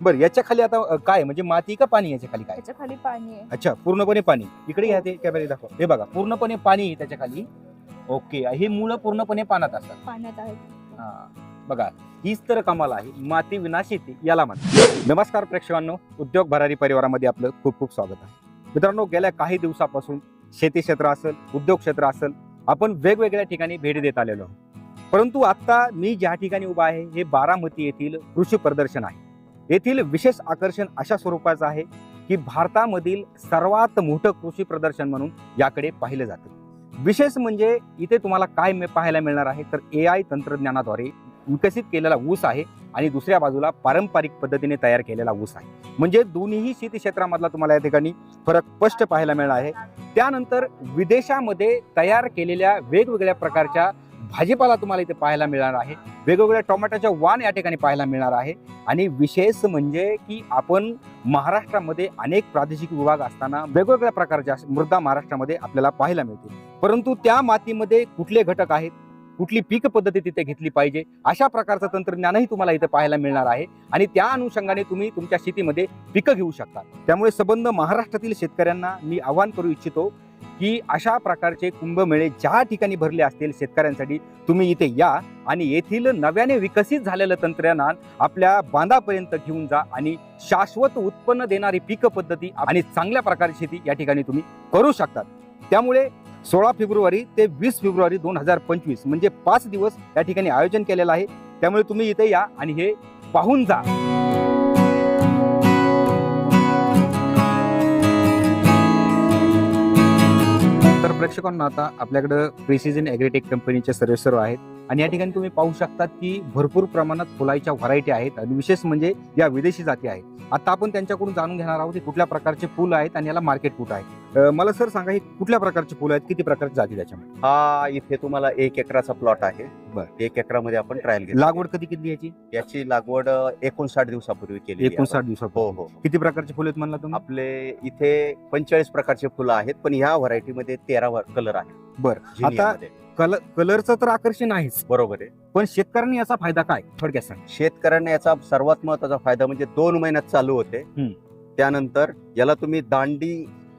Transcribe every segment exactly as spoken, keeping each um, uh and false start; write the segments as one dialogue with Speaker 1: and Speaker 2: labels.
Speaker 1: बरं, याच्या खाली आता अ, काय म्हणजे माती का पाणी याच्या खाली काय?
Speaker 2: त्याच्या खाली पाणी आहे.
Speaker 1: अच्छा, पूर्णपणे पाणी. इकडे घ्या ते कॅमेरा दाखवा. हे बघा पूर्णपणे पाणी आहे त्याच्या खाली. ओके, ही मुलं पूर्णपणे पाण्यात असतात.
Speaker 2: पाण्यात आहे.
Speaker 1: हा, बघा हीच तर कमाल आहे. माती विना शेती याला म्हणतात. नमस्कार प्रेक्षकांनो, उद्योग भरारी परिवारामध्ये आपलं खूप खूप स्वागत आहे. मित्रांनो, गेल्या काही दिवसापासून शेती क्षेत्र असेल, उद्योग क्षेत्र असेल, आपण वेगवेगळ्या ठिकाणी भेट देत आलेलो आहोत. परंतु आता मी ज्या ठिकाणी उभा आहे हे बारामती येथील कृषी प्रदर्शन आहे. येथील विशेष आकर्षण अशा स्वरूपाचं आहे की भारतामधील सर्वात मोठं कृषी प्रदर्शन म्हणून याकडे पाहिलं जातं. विशेष म्हणजे इथे तुम्हाला काय पाहायला मिळणार आहे तर ए आय तंत्रज्ञानाद्वारे विकसित केलेला ऊस आहे आणि दुसऱ्या बाजूला पारंपरिक पद्धतीने तयार केलेला ऊस आहे. म्हणजे दोन्ही शेती क्षेत्रामधला तुम्हाला या ठिकाणी फरक स्पष्ट पाहायला मिळणार आहे. त्यानंतर विदेशामध्ये तयार केलेल्या वेगवेगळ्या प्रकारच्या भाजीपाला तुम्हाला इथे पाहायला मिळणार आहे. वेगवेगळ्या टोमॅटोच्या वाण या ठिकाणी पाहायला मिळणार आहे. आणि विशेष म्हणजे की आपण महाराष्ट्रामध्ये अनेक प्रादेशिक विभाग असताना वेगवेगळ्या प्रकारच्या मृदा महाराष्ट्रामध्ये आपल्याला पाहायला मिळते. परंतु त्या मातीमध्ये कुठले घटक आहेत, कुठली पीक पद्धती तिथे घेतली पाहिजे, अशा प्रकारचं तंत्रज्ञानही तुम्हाला इथे पाहायला मिळणार आहे. आणि त्या अनुषंगाने तुम्ही तुमच्या शेतीमध्ये पिकं घेऊ शकता. त्यामुळे संबंध महाराष्ट्रातील शेतकऱ्यांना मी आवाहन करू इच्छितो की अशा प्रकारचे कुंभमेळे ज्या ठिकाणी भरले असतील शेतकऱ्यांसाठी, तुम्ही इथे या आणि येथील नव्याने विकसित झालेलं तंत्रज्ञान आपल्या बांधापर्यंत घेऊन जा आणि शाश्वत उत्पन्न देणारी पीक पद्धती आणि चांगल्या प्रकारची शेती या ठिकाणी तुम्ही करू शकतात. त्यामुळे सोळा फेब्रुवारी ते वीस फेब्रुवारी दोन हजार पंचवीस म्हणजे पाच दिवस या ठिकाणी आयोजन केलेलं आहे. त्यामुळे तुम्ही इथे या आणि हे पाहून जा. तर प्रेक्षकांना आता आपल्याकडे प्रिसिजन ॲग्रीटेक कंपनीचे सर्वेसर्व आहेत आणि या ठिकाणी तुम्ही पाहू शकता की भरपूर प्रमाणात फुलाच्या व्हरायटी आहेत आणि विशेष म्हणजे या विदेशी जाती आहेत. आता आपण त्यांच्याकडून जाणून घेणार आहोत की कुठल्या प्रकारचे फुल आहेत आणि याला मार्केट कुठं आहे. मला सर सांगा, हे कुठल्या प्रकारचे फुल आहेत, किती प्रकारची जाती त्याच्यामध्ये?
Speaker 3: हा इथे तुम्हाला एक एकराचा प्लॉट आहे.
Speaker 1: बरं,
Speaker 3: एक एकरामध्ये आपण ट्रायल घेतो.
Speaker 1: लागवड कधी किती याची?
Speaker 3: याची लागवड एकोणसाठ दिवसापूर्वी केली.
Speaker 1: एकोणसाठ दिवसापूर्वी.
Speaker 3: हो हो.
Speaker 1: किती प्रकारचे फुल आहेत म्हणला तुम्ही?
Speaker 3: आपले इथे पंचेचाळीस प्रकारचे फुलं आहेत, पण ह्या व्हरायटीमध्ये तेरा कलर आहेत.
Speaker 1: बरं, आता कलर कलरचं तर आकर्षण आहेच,
Speaker 3: बरोबर आहे.
Speaker 1: पण शेतकऱ्यांनी याचा फायदा काय थोडक्यात सांग.
Speaker 3: शेतकऱ्यांना याचा सर्वात महत्वाचा फायदा म्हणजे दोन महिन्यात चालू होते.
Speaker 1: हम्म.
Speaker 3: त्यानंतर याला तुम्ही दांडी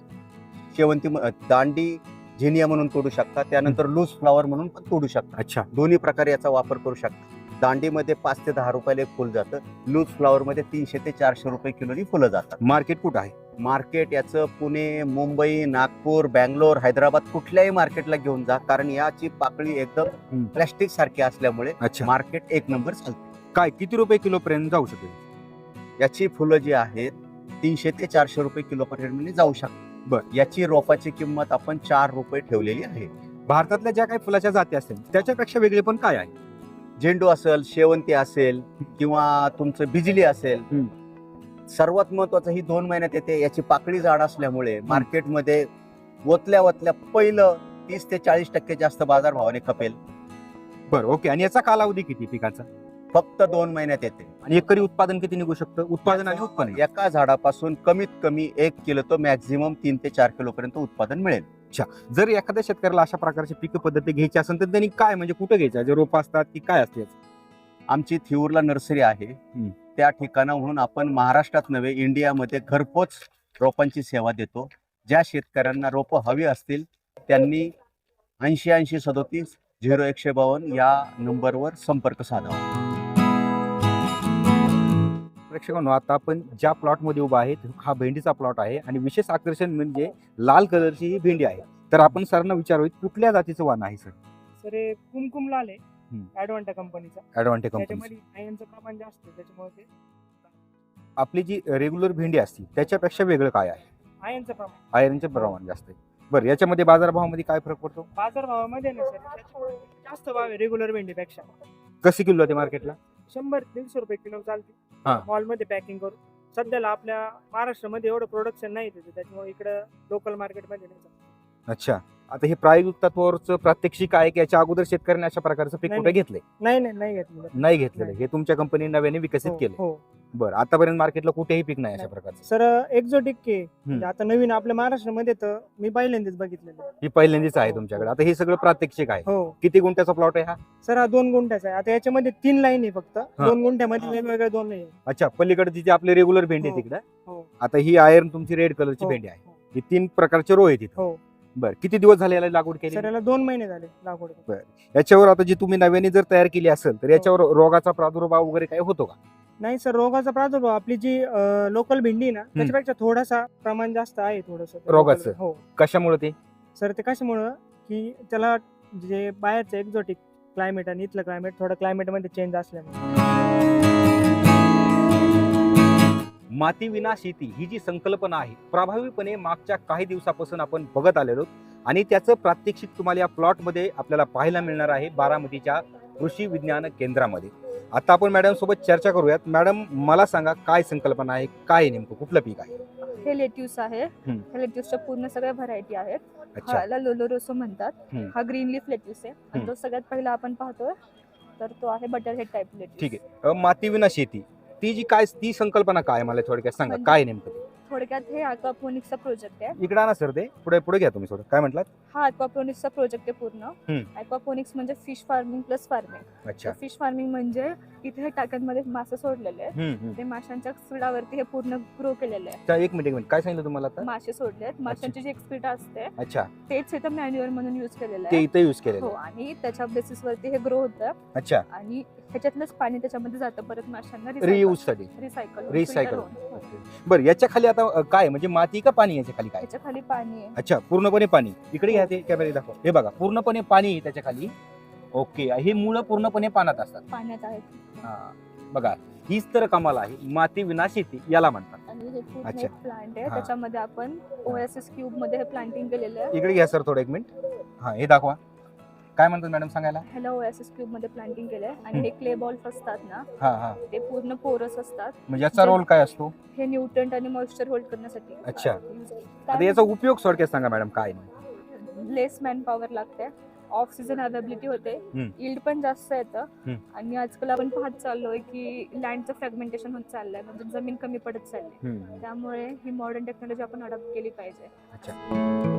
Speaker 3: शेवंती म- दांडी झिनिया म्हणून तोडू शकता. त्यानंतर लूज फ्लावर म्हणून पण तोडू शकता.
Speaker 1: अच्छा,
Speaker 3: दोन्ही प्रकारे याचा वापर करू शकता. दांडीमध्ये पाच ते दहा रुपयाला एक फुल जातं. लूज फ्लावर मध्ये तीनशे ते चारशे रुपये किलोनी फुलं जातात.
Speaker 1: मार्केट कुठं आहे?
Speaker 3: मार्केट याचं पुणे, मुंबई, नागपूर, बँगलोर, हैदराबाद कुठल्याही मार्केटला घेऊन जा, कारण याची पाकळी
Speaker 1: हम्म.
Speaker 3: एकदम प्लॅस्टिक सारखी असल्यामुळे
Speaker 1: अच्छा,
Speaker 3: मार्केट एक नंबर चालते.
Speaker 1: काय किती रुपये किलो पर्यंत जाऊ शकेल?
Speaker 3: याची फुलं जी आहेत तीनशे ते चारशे रुपये किलो पर्यंत जाऊ शकतात.
Speaker 1: बरं.
Speaker 3: याची रोपाची किंमत आपण चार रुपये ठेवलेली आहे.
Speaker 1: भारतातल्या ज्या काही फुलाच्या जाती असतील त्याच्यापेक्षा वेगळे पण काय आहे?
Speaker 3: झेंडू असेल, शेवंती असेल किंवा तुमचं बिजली असेल,
Speaker 1: हम्म.
Speaker 3: सर्वात महत्वाचं ही दोन महिन्यात येते. याची पाकळी जाड असल्यामुळे मार्केटमध्ये ओतल्या ओतल्या पहिलं तीस ते चाळीस टक्के जास्त बाजार भावाने खपेल.
Speaker 1: बरं, ओके. आणि याचा कालावधी किती पिकाचा?
Speaker 3: फक्त दोन महिन्यात येते.
Speaker 1: आणि एकरी उत्पादन किती निघू शकतं? उत्पादन आणि उत्पन्न.
Speaker 3: एका झाडापासून कमीत कमी एक किलो तो मॅक्झिमम तीन ते चार किलो पर्यंत उत्पादन मिळेल.
Speaker 1: जर एखाद्या शेतकऱ्याला अशा प्रकारची पीक पद्धती घ्यायची असेल तर त्यांनी काय म्हणजे कुठे घ्यायचं? जे रोप असतात की काय असते?
Speaker 3: आमची थिऊरला नर्सरी आहे.
Speaker 1: हम्म.
Speaker 3: त्या ठिकाणाहून आपण महाराष्ट्रात नव्हे इंडियामध्ये घरपोच रोपांची सेवा देतो. ज्या शेतकऱ्यांना रोपं हवी असतील त्यांनी ऐंशी ऐंशी सदोतीस झिरो एकशे बावन्न या नंबरवर संपर्क साधावा.
Speaker 1: प्रेक्षकांनो, आता आपण ज्या प्लॉटमध्ये उभा आहे हा भेंडीचा प्लॉट आहे आणि विशेष आकर्षण म्हणजे लाल कलरची ही भेंडी आहे. तर आपण सरांना विचारूया कुठल्या जातीचं वाण आहे सर?
Speaker 4: सर हे कुमकुम लाल आहे.
Speaker 1: हम्म.
Speaker 4: ॲडव्हान्टा कंपनीचा.
Speaker 1: Advanta company.
Speaker 4: त्याच्यामध्ये आयनचं प्रमाण जास्त आहे, त्याच्यामुळे ते
Speaker 1: आपली जी रेग्युलर भेंडी असते त्याच्यापेक्षा वेगळं काय आहे?
Speaker 4: आयनचं प्रमाण
Speaker 1: आयरनचे प्रमाण जास्त आहे. बरं, याच्यामध्ये बाजारभावामध्ये काय फरक पडतो?
Speaker 4: बाजारभावामध्ये ना सर त्याच्यामुळे जास्त भाव आहे रेग्युलर भेंडीपेक्षा.
Speaker 1: कशी किलो आहे मार्केटला?
Speaker 4: शंभर दीडशे रुपये किलो चालते
Speaker 1: हा.
Speaker 4: मॉलमध्ये पॅकिंग करून. सध्याला आपल्या महाराष्ट्रामध्ये एवढं प्रोडक्शन नाही त्याचं, त्याच्यामुळे इकडं लोकल मार्केटमध्ये नाही चालत.
Speaker 1: अच्छा, आता हे प्रायोगिक तत्वावरचं प्रात्यक्षिक आहे की याच्या अगोदर शेतकऱ्यांनी अशा प्रकारचं पीक
Speaker 4: नाही,
Speaker 1: कुठे
Speaker 4: नाही.
Speaker 1: घेतलंय?
Speaker 4: नाही नाही नाही घेतलेलं.
Speaker 1: नाही घेतलेलं.
Speaker 4: नाही.
Speaker 1: हे तुमच्या कंपनी नव्याने विकसित
Speaker 4: हो,
Speaker 1: केलं.
Speaker 4: हो
Speaker 1: बरं, आतापर्यंत मार्केटला कुठेही पीक नाही अशा
Speaker 4: नाही.
Speaker 1: प्रकारचं.
Speaker 4: सर एक्झॉटिक के म्हणजे आता नवीन आपल्या महाराष्ट्रामध्ये तर मी पहिल्यांदाच बघितलेलं.
Speaker 1: ही पहिल्यांदाच आहे
Speaker 4: हो,
Speaker 1: तुमच्याकडे.
Speaker 4: हो.
Speaker 1: आता हे सगळं प्रात्यक्षिक आहे.
Speaker 4: हो
Speaker 1: किती गुंठ्याचा प्लॉट आहे हा?
Speaker 4: सर हा दोन गुंठ्याचा आहे. आता याच्यामध्ये तीन लाईन आहे फक्त. दोन गुंठ्यामध्ये वेगवेगळ्या दोन आहे.
Speaker 1: अच्छा, पलीकडची जी आपली रेग्युलर भेंडी आहे
Speaker 4: हो.
Speaker 1: तिकडे.
Speaker 4: हो
Speaker 1: आता ही आयर्न तुमची रेड कलरची
Speaker 4: हो,
Speaker 1: भेंडी आहे.
Speaker 4: हो.
Speaker 1: ही तीन प्रकारचे रो आहे तिथे.
Speaker 4: हो
Speaker 1: बरं, किती दिवस झाले याला लागवड केली?
Speaker 4: सर याला दोन महिने झाले लागवड.
Speaker 1: याच्यावर आता जी तुम्ही नव्याने जर तयार केली असेल तर याच्यावर रोगाचा प्रादुर्भाव वगैरे काही होतो का?
Speaker 4: नाही सर रोगाचा प्रादुर्भाव आपली जी लोकल भेंडी आहे ना त्याच्यापेक्षा थोडासा प्रमाण जास्त आहे थोडस
Speaker 1: रोगाचं?
Speaker 4: हो
Speaker 1: कशामुळे ते?
Speaker 4: सर ते कशामुळं की त्याला जे बाहेरचं एक्झॉटिक क्लायमेट आणि इथलं क्लायमेट थोडं क्लायमेट मध्ये चेंज असल्यामुळे.
Speaker 1: माती विना शेती ही जी संकल्पना आहे प्रभावीपणे मागच्या काही दिवसापासून आपण बघत आलेलो आहोत आणि त्याचं प्रात्यक्षिक तुम्हाला या प्लॉटमध्ये आपल्याला पाहायला मिळणार आहे बारामतीच्या कृषी विज्ञान केंद्रामध्ये. आता आपण मॅडम सोबत चर्चा करूयात. मॅडम मला सांगा काय संकल्पना आहे, काय नेमकं कुठलं पीक आहे?
Speaker 2: हे लेट्यूस आहे.
Speaker 1: हम्म.
Speaker 2: हे लेट्यूसच्या पूर्ण सगळ्या व्हरायटी आहेत.
Speaker 1: अच्छा.
Speaker 2: ह्याला लोलोरोसो म्हणतात.
Speaker 1: हम्म.
Speaker 2: हा ग्रीन लीफ लेट्यूस आहे आणि
Speaker 1: हम्म.
Speaker 2: जो सगळ्यात पहिला आपण पाहतोय तर तो आहे बटर हेड टाइप लेट्यूस.
Speaker 1: ठीक आहे. अ, माती विना शेती ती जी काय ती संकल्पना काय मला थोडक्यात सांगा,
Speaker 2: म्हणजे-
Speaker 1: काय नेमकं ते?
Speaker 2: थोडक्यात हे अक्वापोनिक्सचा प्रोजेक्ट आहे.
Speaker 1: इकडे आणा सर, ते पुढे पुढे घ्या तुम्ही थोडं. काय म्हटलात?
Speaker 2: हा अक्वापोनिक्सचा प्रोजेक्ट आहे पूर्ण.
Speaker 1: हम्म.
Speaker 2: अक्वापोनिक्स म्हणजे फिश फार्मिंग प्लस फार्मिंग.
Speaker 1: अच्छा.
Speaker 2: फिश फार्मिंग म्हणजे इथे हे टाक्यांमध्ये मासे सोडलेले आहेत.
Speaker 1: हम्म, हम्म.
Speaker 2: ते माशांच्या स्पीडावरती हे पूर्ण ग्रो केलेलं आहे.
Speaker 1: अच्छा, एक मिनिट एक मिनिट काय सांगितलं तुम्हाला आता?
Speaker 2: मासे सोडले आहेत. माशांची जी एक्सपीड असते
Speaker 1: अच्छा,
Speaker 2: तेच इथं मॅन्युअर म्हणून युज केलेलं
Speaker 1: ते
Speaker 2: आहे.
Speaker 1: इथे युज केलेलं
Speaker 2: हो
Speaker 1: आहे.
Speaker 2: आणि त्याच्या बेसिसवरती हे ग्रो होतं
Speaker 1: अच्छा,
Speaker 2: आणि ह्याच्यातलंच पाणी त्याच्यामध्ये जातं परत माशांना
Speaker 1: रियूज साठी.
Speaker 2: Recycle
Speaker 1: recycle. बरं, याच्या खाली आता अ, काय म्हणजे माती का पाणी याच्या खाली काय?
Speaker 2: त्याच्या खाली पाणी आहे.
Speaker 1: अच्छा, पूर्णपणे पाणी. इकडे घ्या, ते कॅमेरा दाखवा. हे बघा, पूर्णपणे पाणी आहे त्याच्या खाली. ओके, हे मुळं पूर्णपणे पाण्यात असतात.
Speaker 2: पाण्यात आहेत
Speaker 1: हा, बघा हीच तर कमाल आहे. माती विना शेती याला म्हणतात.
Speaker 2: आणि हे पूर्ण
Speaker 1: अच्छा.
Speaker 2: एक प्लांट आहे.
Speaker 1: हा.
Speaker 2: त्याच्यामध्ये आपण ओएसएस क्यूब मध्ये हे प्लांटिंग केलेलं आहे.
Speaker 1: इकडे घ्या सर थोडं एक मिनिट. हा, हे दाखवा. काय म्हणतात मॅडम सांगायला?
Speaker 2: ह्याला ओएसएस क्यूब मध्ये प्लांटिंग केलंय आणि हे क्ले बॉल्स असतात ना
Speaker 1: हा हा,
Speaker 2: ते पूर्ण पोरस असतात.
Speaker 1: म्हणजे याचा
Speaker 2: जे-
Speaker 1: रोल काय असतो?
Speaker 2: हे न्यूट्रंट आणि मॉइश्चर होल्ड करण्यासाठी
Speaker 1: अच्छा.
Speaker 2: use
Speaker 1: आता
Speaker 2: आहे.
Speaker 1: याचा उपयोग थोडक्यात सांगा मॅडम काय नाही?
Speaker 2: लेस मॅन पॉवर लागते. ऑफ सीझन अवेलेबिलिटी होते.
Speaker 1: हम्म.
Speaker 2: यील्ड पण जास्त येतं
Speaker 1: हम्म.
Speaker 2: आणि आजकाल आपण पाहत चाललोय की लँडचं फ्रॅगमेंटेशन होत चाललंय म्हणजे जमीन कमी पडत चालली.
Speaker 1: हम्म.
Speaker 2: त्यामुळे ही मॉडर्न टेक्नॉलॉजी आपण अडॉप्ट केली पाहिजे.
Speaker 1: अच्छा.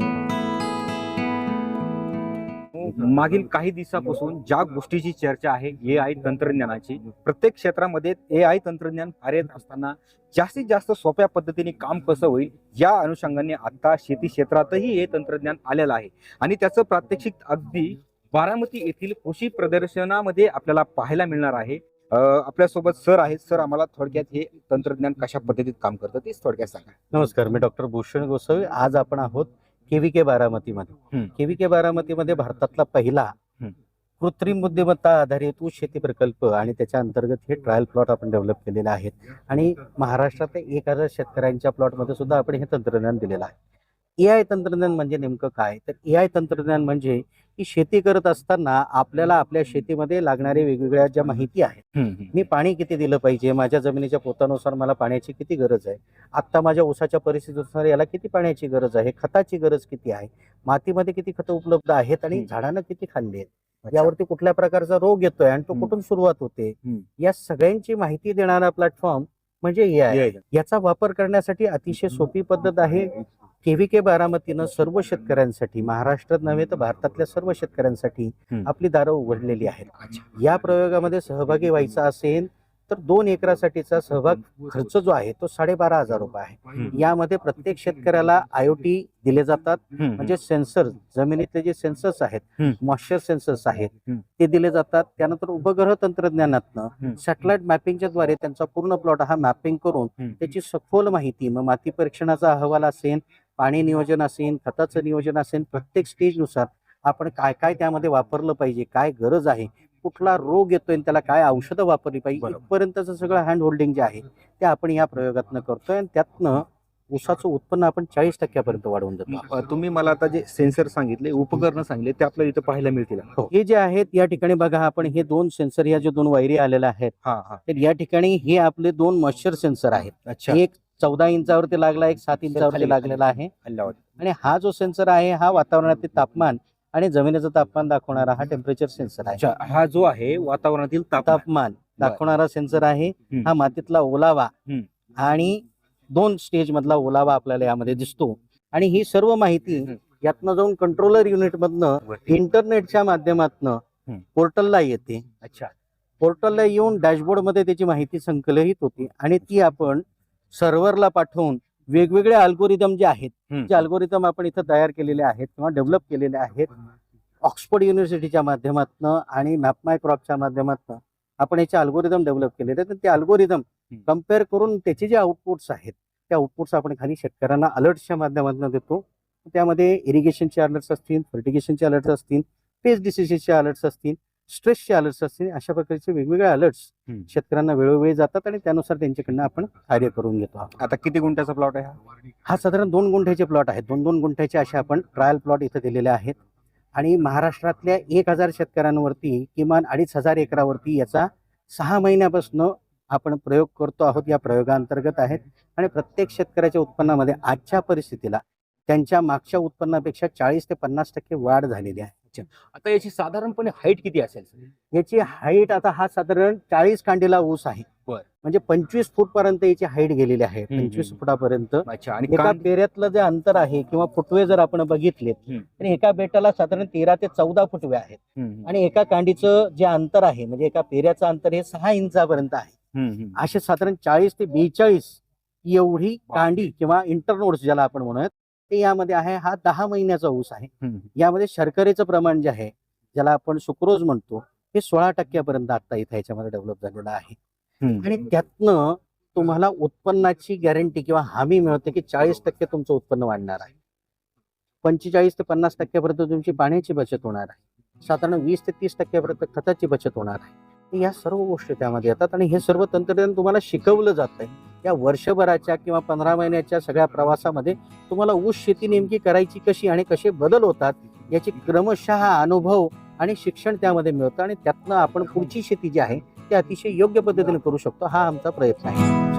Speaker 1: मागील काही दिवसापासून ज्या गोष्टीची चर्चा आहे ए आय तंत्रज्ञानाची, प्रत्येक क्षेत्रामध्ये ए आय तंत्रज्ञान कार्यरत असताना जास्तीत जास्त सोप्या पद्धतीने काम कसं होईल या अनुषंगाने आता शेती क्षेत्रातही हे तंत्रज्ञान आलेलं आहे आणि त्याचं प्रात्यक्षिक अगदी बारामती येथील कृषी प्रदर्शनामध्ये आपल्याला पाहायला मिळणार आहे. अ, आपल्यासोबत सर आहेत. सर, आम्हाला थोडक्यात हे तंत्रज्ञान कशा पद्धतीत काम करतं तेच थोडक्यात सांगा.
Speaker 3: नमस्कार, मी डॉक्टर भूषण गोसावी. आज आपण आहोत केव्हीके बारामतीमध्ये.
Speaker 1: हम्म.
Speaker 3: केव्हीके बारामतीमध्ये भारतातला पहिला
Speaker 1: हम्म.
Speaker 3: कृत्रिम बुद्धिमत्ता आधारित ऊस शेती प्रकल्प आणि त्याच्या अंतर्गत हे ट्रायल प्लॉट आपण डेव्हलप केलेले आहेत आणि महाराष्ट्रातल्या एक हजार शेतकऱ्यांच्या प्लॉटमध्ये सुद्धा आपण हे तंत्रज्ञान दिलेलं आहे. ए आय तंत्रज्ञान म्हणजे नेमकं काय? तर ए आय तंत्रज्ञान म्हणजे की शेती करत असताना आपल्याला आपल्या शेतीमध्ये लागणाऱ्या वेगवेगळ्या ज्या माहिती आहेत, मी पाणी किती दिलं पाहिजे, माझ्या जमिनीच्या पोतानुसार मला पाण्याची किती गरज आहे, आत्ता माझ्या ऊसाच्या परिस्थितीनुसार याला किती पाण्याची गरज आहे, खताची गरज किती आहे, मातीमध्ये किती खतं उपलब्ध आहेत आणि
Speaker 1: हम्म.
Speaker 3: झाडानं किती खाल्ली आहेत,
Speaker 1: अच्छा.
Speaker 3: यावरती कुठल्या प्रकारचा रोग येतोय आणि तो
Speaker 1: हम्म.
Speaker 3: कुठून सुरुवात होते,
Speaker 1: हम्म.
Speaker 3: या सगळ्यांची माहिती देणारा प्लॅटफॉर्म म्हणजे ए आय.
Speaker 1: A I.
Speaker 3: याचा वापर करण्यासाठी अतिशय सोपी पद्धत आहे. केव्हीके बारामतीनं सर्व शेतकऱ्यांसाठी, महाराष्ट्रात नव्हे तर भारतातल्या सर्व शेतकऱ्यांसाठी
Speaker 1: हम्म.
Speaker 3: आपली दारं उघडलेली आहेत.
Speaker 1: अच्छा.
Speaker 3: या प्रयोगामध्ये सहभागी व्हायचा असेल तर दोन एकरासाठीचा सहभाग खर्च जो आहे तो साडेबारा हजार रुपये आहे.
Speaker 1: हम्म.
Speaker 3: यामध्ये प्रत्येक शेतकऱ्याला आयओटी दिले जातात,
Speaker 1: हम्म.
Speaker 3: म्हणजे सेन्सर, जमिनीतले जे सेन्सर्स आहेत,
Speaker 1: हम्म.
Speaker 3: मॉइश्चर सेन्सर्स आहेत,
Speaker 1: हम्म.
Speaker 3: ते दिले जातात. त्यानंतर उपग्रह तंत्रज्ञानातनं
Speaker 1: हम्म.
Speaker 3: सॅटेलाइट मॅपिंगच्या द्वारे त्यांचा पूर्ण प्लॉट हा मॅपिंग करून
Speaker 1: हम्म.
Speaker 3: त्याची सखोल माहिती, मग माती परीक्षणाचा अहवाल असेल, पाणी नियोजन असेल, खताचं नियोजन असेल, प्रत्येक स्टेजनुसार आपण काय काय त्यामध्ये वापरलं पाहिजे, काय गरज आहे, कुठला रोग येतोय आणि त्याला काय औषधं वापरली पाहिजे,
Speaker 1: बरोबर.
Speaker 3: इथपर्यंतचं सगळं हँड होल्डिंग जे आहे ते आपण या प्रयोगातनं करतोय आणि त्यातनं ऊसाचं उत्पन्न आपण चाळीस टक्क्यापर्यंत वाढवून देतो.
Speaker 1: अ, तुम्ही मला आता जे सेन्सर सांगितले, उपकरण सांगितले, ते आपल्याला इथं पाहायला मिळतील.
Speaker 3: हो. हे जे आहेत या ठिकाणी बघा, आपण हे दोन सेन्सर, या जे दोन वायरी आलेल्या आहेत,
Speaker 1: हा हा.
Speaker 3: तर या ठिकाणी हे आपले दोन मॉइश्चर सेन्सर आहेत.
Speaker 1: अच्छा.
Speaker 3: एक
Speaker 5: चौदा इंचावरती लागला, एक सात
Speaker 1: खाली-
Speaker 5: इंचावरती लागलेला आहे.
Speaker 1: हल्ल्यावर
Speaker 5: आणि हा जो सेन्सर आहे हा वातावरणातील तापमान आणि जमिनीचं तापमान दाखवणारा हा टेम्परेचर सेन्सर आहे.
Speaker 1: अच्छा, हा जो आहे वातावरणातील तापमान
Speaker 5: तापमान दाखवणारा सेन्सर आहे.
Speaker 1: हम्म.
Speaker 5: हा मातीतला ओलावा
Speaker 1: हम्म.
Speaker 5: आणि दोन स्टेज मधला ओलावा आपल्याला यामध्ये दिसतो. आणि ही सर्व माहिती
Speaker 1: हम्म.
Speaker 5: यातनं जाऊन कंट्रोलर युनिट मधनं
Speaker 1: वरती.
Speaker 5: इंटरनेटच्या माध्यमातून
Speaker 1: हम्म.
Speaker 5: पोर्टलला येते.
Speaker 1: अच्छा,
Speaker 5: पोर्टलला येऊन डॅशबोर्ड मध्ये त्याची माहिती संकलित होती आणि ती आपण सर्व्हरला पाठवून वेगवेगळे अल्गोरिदम जे आहेत,
Speaker 1: हम्म.
Speaker 5: जे अल्गोरिदम आपण इथं तयार केलेले आहेत किंवा डेव्हलप केलेले आहेत ऑक्सफोर्ड युनिव्हर्सिटीच्या माध्यमातून आणि मॅपमाय क्रॉपच्या माध्यमातून आपण याचे अल्गोरिदम डेव्हलप केलेले आहेत. ते अल्गोरिदम
Speaker 1: हम्म.
Speaker 5: कम्पेअर करून त्याचे जे आउटपुट्स आहेत त्या आउटपुट्स आपण खाली शेतकऱ्यांना अलर्ट्सच्या माध्यमातून देतो. त्यामध्ये इरिगेशनचे अलर्ट्स असतील, फर्टिगेशनचे अलर्ट्स असतील, पेस्ट डिसिजचे अलर्ट्स असतील, स्ट्रेसचे अलर्ट्स असतील, अशा प्रकारचे वेगवेगळे अलर्ट्स
Speaker 1: हम्म.
Speaker 5: शेतकऱ्यांना वेळोवेळी जातात आणि त्यानुसार त्यांच्याकडनं आपण कार्य करून घेतो आहोत.
Speaker 1: आता किती गुंठ्याचा प्लॉट आहे हा?
Speaker 5: हा साधारण दोन गुंठ्याचे प्लॉट आहेत. दोन दोन गुंठ्याचे असे आपण ट्रायल प्लॉट इथं दिलेले आहेत. आणि महाराष्ट्रातल्या एक हजार शेतकऱ्यांवरती किमान अडीच हजार एकरावरती याचा सहा महिन्यापासून आपण प्रयोग करतो आहोत. या प्रयोगांतर्गत आहेत आणि प्रत्येक शेतकऱ्याच्या उत्पन्नामध्ये आजच्या परिस्थितीला त्यांच्या मागच्या उत्पन्नापेक्षा चाळीस ते पन्नास टक्के वाढ झालेली आहे.
Speaker 1: आता याची साधारणपणे हाईट किती असेल?
Speaker 5: याची हाईट आता हा साधारण चाळीस कांडीला ऊस आहे.
Speaker 1: बर.
Speaker 5: म्हणजे पंचवीस फूट पर्यंत याची हाईट गेलेली आहे.
Speaker 1: हम्म,
Speaker 5: पंचवीस
Speaker 1: हम्म.
Speaker 5: फुटापर्यंत.
Speaker 1: अच्छा, आणि
Speaker 5: एका
Speaker 1: कांद-
Speaker 5: पेऱ्यातलं जे अंतर आहे किंवा फुटवे जर आपण बघितले
Speaker 1: हम्म.
Speaker 5: तर एका बेटाला साधारण तेरा ते चौदा फुटवे आहेत.
Speaker 1: हम्म,
Speaker 5: आणि एका कांडीचं जे अंतर आहे म्हणजे एका पेऱ्याचं अंतर हे सहा इंचापर्यंत आहे.
Speaker 1: हम्म, हम्म.
Speaker 5: असे साधारण चाळीस ते बेचाळीस एवढी
Speaker 1: वा.
Speaker 5: कांडी किंवा इंटरनोड्स ज्याला आपण म्हणूयात ते यामध्ये आहे. हा दहा महिन्याचा ऊस आहे.
Speaker 1: हम्म.
Speaker 5: यामध्ये शर्करेचं प्रमाण जे आहे ज्याला आपण सुक्रोज म्हणतो हे सोळा टक्क्यापर्यंत आता इथे याच्यामध्ये डेव्हलप झालेलं आहे.
Speaker 1: हम्म.
Speaker 5: आणि त्यातनं तुम्हाला उत्पन्नाची गॅरंटी किंवा हमी मिळते की चाळीस टक्के तुमचं उत्पन्न वाढणार आहे. पंचेचाळीस ते पन्नास टक्क्यापर्यंत तुमची पाण्याची बचत होणार आहे. साधारण वीस ते तीस टक्क्यापर्यंत खताची बचत होणार आहे. या सर्व गोष्टी त्यामध्ये येतात आणि हे सर्व तंत्रज्ञान तुम्हाला शिकवलं जातंय. या वर्षभराच्या किंवा पंधरा महिन्याच्या सगळ्या प्रवासामध्ये तुम्हाला ऊस शेती नेमकी करायची कशी आणि कसे बदल होतात याची क्रमशः अनुभव आणि शिक्षण त्यामध्ये मिळतं आणि त्यातनं आपण पुढची शेती जी आहे ती अतिशय योग्य पद्धतीने करू शकतो. हा आमचा प्रयत्न आहे.